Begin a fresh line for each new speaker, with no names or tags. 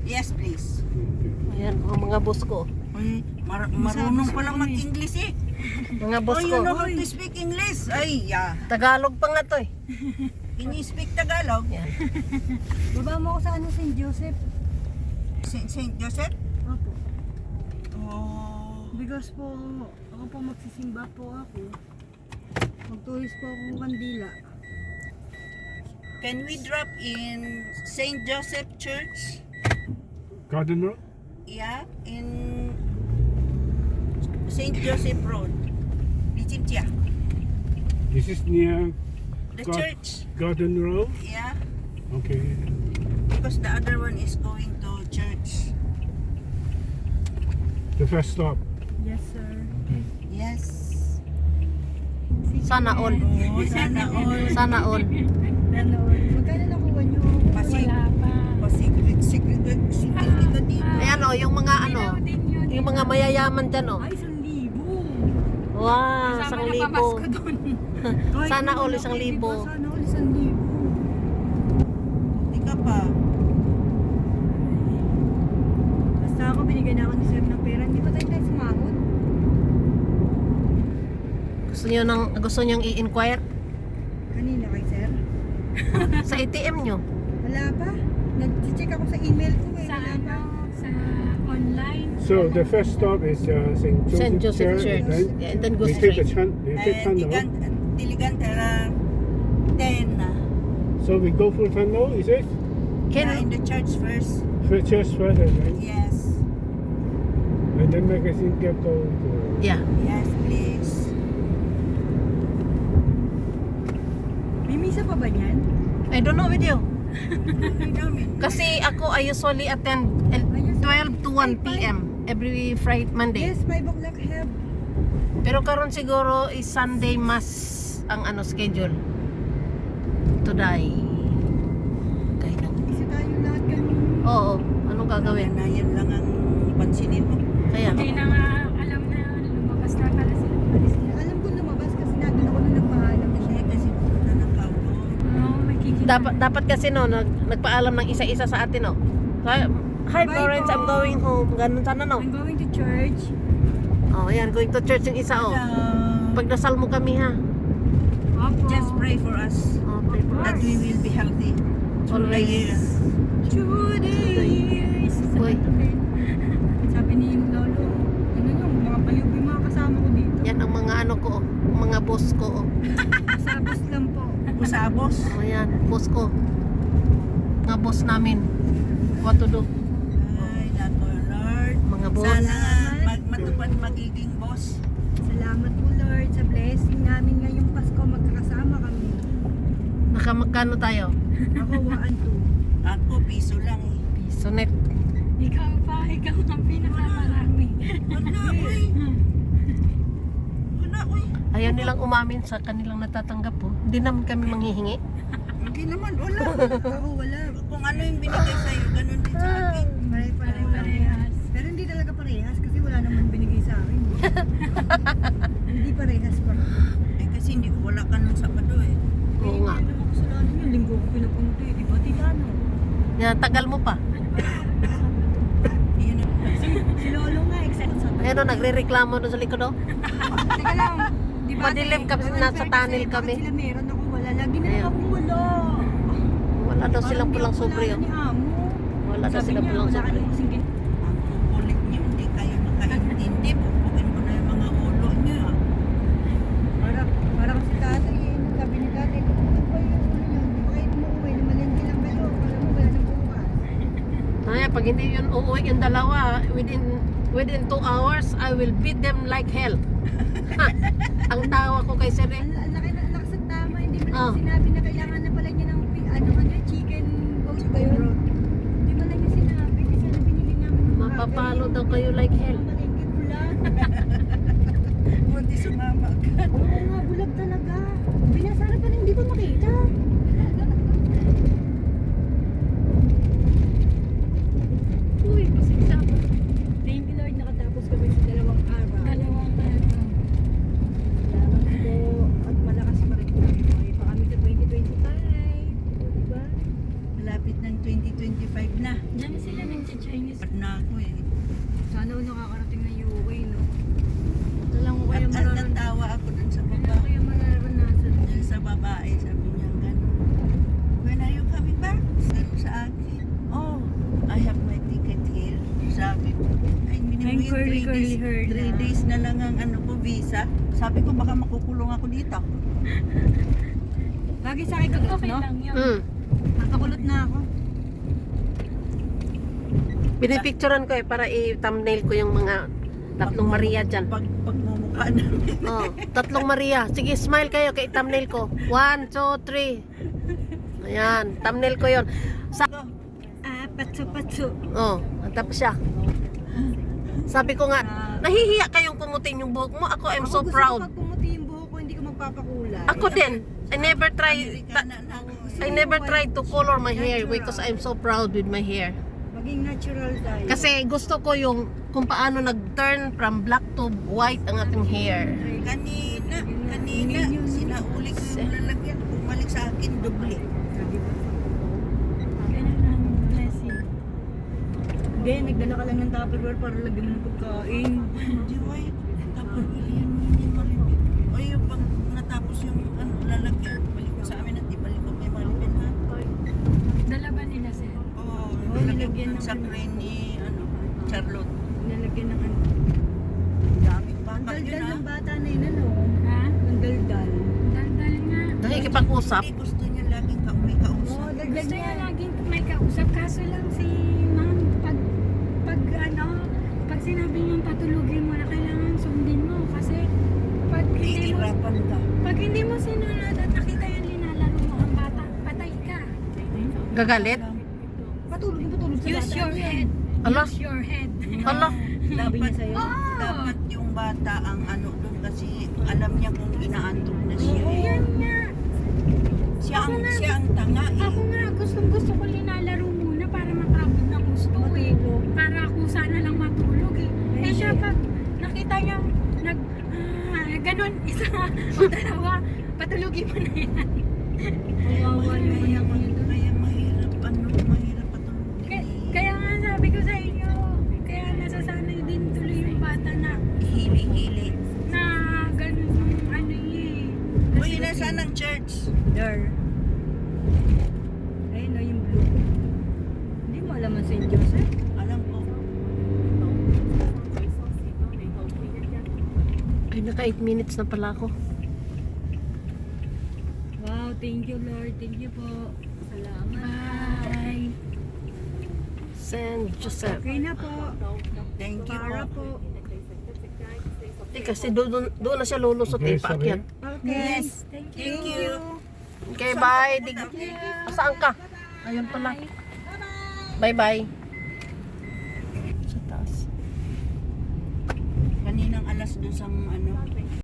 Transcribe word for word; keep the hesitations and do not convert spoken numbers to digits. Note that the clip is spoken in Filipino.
Yes, please.
Ayan, ang mga boss ko.
Ay, mar- marunong palang mag-English eh.
Mga boss
Oh,
ko.
you know how to speak English? Ay, yeah.
Tagalog pa nga to eh.
Can you speak Tagalog?
Yan.
Baba mo ako sa ano, Saint Joseph.
Saint Saint Joseph?
Opo.
Oh.
Because po, ako po magsisimba po ako. Magtulis po akong kandila.
Can we drop in Saint Joseph Church?
Garden Road?
Yeah, in Saint Joseph Road. Bichimtia.
This is near
The
God-
church.
Garden Road?
Yeah,
Okay.
because the other one is going to church.
The first stop.
Yes, sir.
Yes.
Sana all.
Oh, sana all.
Sana all.
Nanood. Magkano nakuha nyo?
Pasig.
Wala pa.
Pasigrit, sigrit, sigrit ka dito.
Ayan o, yung mga ano, yung mga mayayaman dyan o.
Ay, isang libo.
Wow, isang libo.
Kahit
Sana
wala
all
ko,
isang
diba?
libo.
Sana all isang libo.
Di ka pa.
Basta ako, binigyan na ako ni sir ng pera. Hindi pa tayo tayo sumahod.
Gusto nyo nang, gusto nyo i-inquire
Kanina kay sir.
sa A T M nyo?
Wala pa. Nag-check ako sa email ko eh.
Sa
Wala
ano,
pa.
sa online.
So the first stop is uh, Saint Joseph,
Saint Joseph Church.
Then
Yeah, and then go
we take the
straight.
chan, we
Eh,
take tunnel.
Diligan, Diligan Tera ten.
So we go for tunnel, is it?
Yeah, in
Can,
the church first.
For church further, right?
Yes.
And then magazine get go to.
yeah.
Yes, please.
May misa pa ba niyan?
I don't know with you.
Ay, dami.
Kasi ako, I usually attend at twelve to one p m every Friday, Monday.
Yes, five o'clock have.
Pero karon siguro is Sunday mas ang ano schedule. Today. Kaya na.
Isa tayo lahat kanina.
Oo, anong gagawin?
Na yan lang ang pansinin mo.
Kaya,
Hindi na nga alam na lumabas na pala sila. Umalis na.
Alam ko lumabas kasi nandun ako na nagpaalam na siya.
Kasi kasi pupunta ng kaulo.
Oo, may kikita.
dapat dapat kasi no, nag, nagpaalam ng isa-isa sa atin no. Hi, hi
Bye
Florence,
po.
I'm going home. Ganun sana no.
I'm going to church.
Oh, ayan, going to church yung isa oh.
Hello.
Pagdasal mo kami ha.
Opo.
Just pray for us
Oh, pray for
that
us.
we will be healthy. Through the year.
Always.
Through the years.
Uy,
Sabi ni Lolo, ano yung mga baliw yung mga kasama ko dito.
yan ang mga ano ko oh, mga boss ko oh.
Sabos lang po.
Usabos.
Oh, yan, boss ko. Mga boss namin. What to do?
Ay, nako Lord.
Mga boss.
Sana mag matupad magiging boss.
Salamat po Lord sa blessing namin ngayong Pasko. Magkakasama kami.
Nakamagkano tayo?
Ako, waan to.
Ako, piso lang eh.
Piso net.
Ikaw pa, ikaw ang pinakamarami.
Wala, uy. Wala, uy.
Ayaw nilang umamin sa kanilang natatanggap po. Hindi naman kami manghihingi.
Hindi naman, wala.
Ako, wala.
Kung ano yung binigay sa'yo, ganun din sa akin.
Pare-pareho lang.
Pare-parehas.
Pero hindi talaga parehas kasi wala naman binigay sa akin. Hindi parehas pa.
Eh, kasi hindi ko wala ka nung Sabado eh.
Oo nga.
Hindi naman kasalanan yun. Linggo ko pinapunta eh. Di ba Tilano?
Yan, tagal mo pa.
Iyon ang
Si Lolo nga, excited sa
Ayan o, nagre-reklamo doon sa likod o.
Teka lang. Di ba?
Madilim
ate?
kasi
Bakit
nasa
sir,
tunnel
kasi
kami.
Bakit sila meron ako wala? Lagi na
Ayun.
lang akong wala.
Wala daw
Parang
silang
di
pulang
ako
sobre
wala
o.
ni Amo.
Wala daw
Sabi
silang
niya,
pulang
wala ka
sobre.
na kasing gin-
ang kukulit niyo, hindi kayo makaintindi. Pupukin ko na yung mga ulo niyo. ah.
Para, para kasi Catherine, sabi ni Catherine, ano ba yung ulo niyo? Di ba kayo umuwi? Namalengke lang kayo. Kala mo wala nang bukas.
Ay, pag hindi yun uuwi yung dalawa, within within two hours, I will beat them like hell. Ang tawa ko kay Sir eh.
Ang ang laki ng lakas ng tama, hindi mo
Ah.
lang sinabi na kailangan na pala niya ng pi- ano ano chicken bones ba yun? Hindi mo lang niya sinabi kasi na binili namin ng
Mapapalo daw kayo like hell.
Malengke bulag.
Buti sumama agad.
Oo nga, bulag talaga. Binasara pa rin, hindi ko makita. Uy, pasensya ako. Thank you Lord, nakatapos kami sa dalawang araw.
Dalawang ano.
Salamat po. At malakas pa rin kami. Okay pa kami sa twenty twenty-five. O, diba?
Malapit ng twenty twenty-five na.
Diyan sila nag-chat
Ay,
Ngayon,
curly,
three
curly
days,
hair na.
three days na lang ang ano ko, visa. Sabi ko, baka makukulong ako dito.
Bagay sa akin kulot,
Okay
no?
lang yun.
Mm.
Nakakulot na ako.
Binipicturean ko eh para i-thumbnail ko yung mga tatlong Maria dyan.
Pag, pagmumukha namin.
Oh, tatlong Maria. Sige, smile kayo kay thumbnail ko. One, two, three. Ayan, thumbnail ko yon. Sa
Ah, patso-patso.
oh, tapos siya. Sabi ko nga, nahihiya kayong kumutin yung buhok mo. Ako, I'm so
Ako
proud.
gusto ko pag pumuti yung buhok ko, hindi ko magpapakulay.
Ako din. I never try
Amerikana na ako.
I never tried to color my hair because I'm so proud with my hair.
Maging natural tayo.
Kasi gusto ko yung kung paano nag-turn from black to white ang ating hair.
Kanina, kanina, sinauli ko yung lalagyan. Bumalik sa akin, doble.
Ganun ang blessing.
Hindi, nagdala ka lang ng Tupperware para lagyan mo ng pagkain.
Hindi, why? Tapos, yan, yan, malipit. O yung pag natapos yung ano, lalagyan, balik ko sa amin at ibalik ko may malipit ha.
Dala ba nila, sir?
Oo,
Oh,
nilagyan
nilagyan
ko
ng
sa
ano.
crane ni, ano, Charlotte.
Nalagyan ng ano.
Daming
Ang
bakal yun
daldal
ha.
ng bata na yun, ano?
Ha?
Ang daldal.
Daldal nga.
Nakikipag-usap.
Hindi gusto niya laging ka may kausap.
Oo, daldal
Gusto
niya.
niya laging may kausap. Kaso lang si ma'am, pag, pag ano, pag sinabi niyang patulugin mo na kailangan sundin mo. Kasi pag hindi mo,
Iirapan ka.
pag hindi mo sinunod at nakita yung linalaro mo ang bata, patay ka.
Gagalit?
Patulog yung patulog sa
Use
bata.
your head.
Ala?
Use your head.
Hala.
Sabi niya sa'yo.
Oh!
Dapat yung bata ang ano doon kasi alam niya kung inaantok na siya.
Oo, yan nga.
Siya ang,
Ako na.
siya ang tanga eh.
Ako nga, gustong gusto ko linalaro muna para makabot na gusto eh. Para ako sana lang matulog eh. Eh siya pag nakita niya nag, ah, ganun, isa o dalawa, patulogin mo na yan.
Kawawa yung
Kaya,
anak ko yun doon.
kaya mahirap ano, mahirap patulogin
Kaya,
eh.
kaya nga sabi ko sa inyo, kaya nasasanay din tuloy yung bata na,
Hili-hili.
na ganun yung ano eh.
Uy, nasaan ang church?
There. Ayun o, yung blue. Hindi mo alam ang Saint Joseph.
Alam ko.
Ay, naka eight minutes na pala ako.
Wow, thank you Lord. Thank you po. Salamat.
Bye.
Saint Joseph.
Okay na po.
Thank you
Para
po.
po.
Eh, kasi doon, doon na siya lulusot eh,
Okay, sorry.
paakyat.
Okay.
Yes.
Thank you.
Thank you.
Okay, bye. Dig Saan ka? Ayun pala. Bye-bye. Sa taas.
Kaninang alas dos ang ano,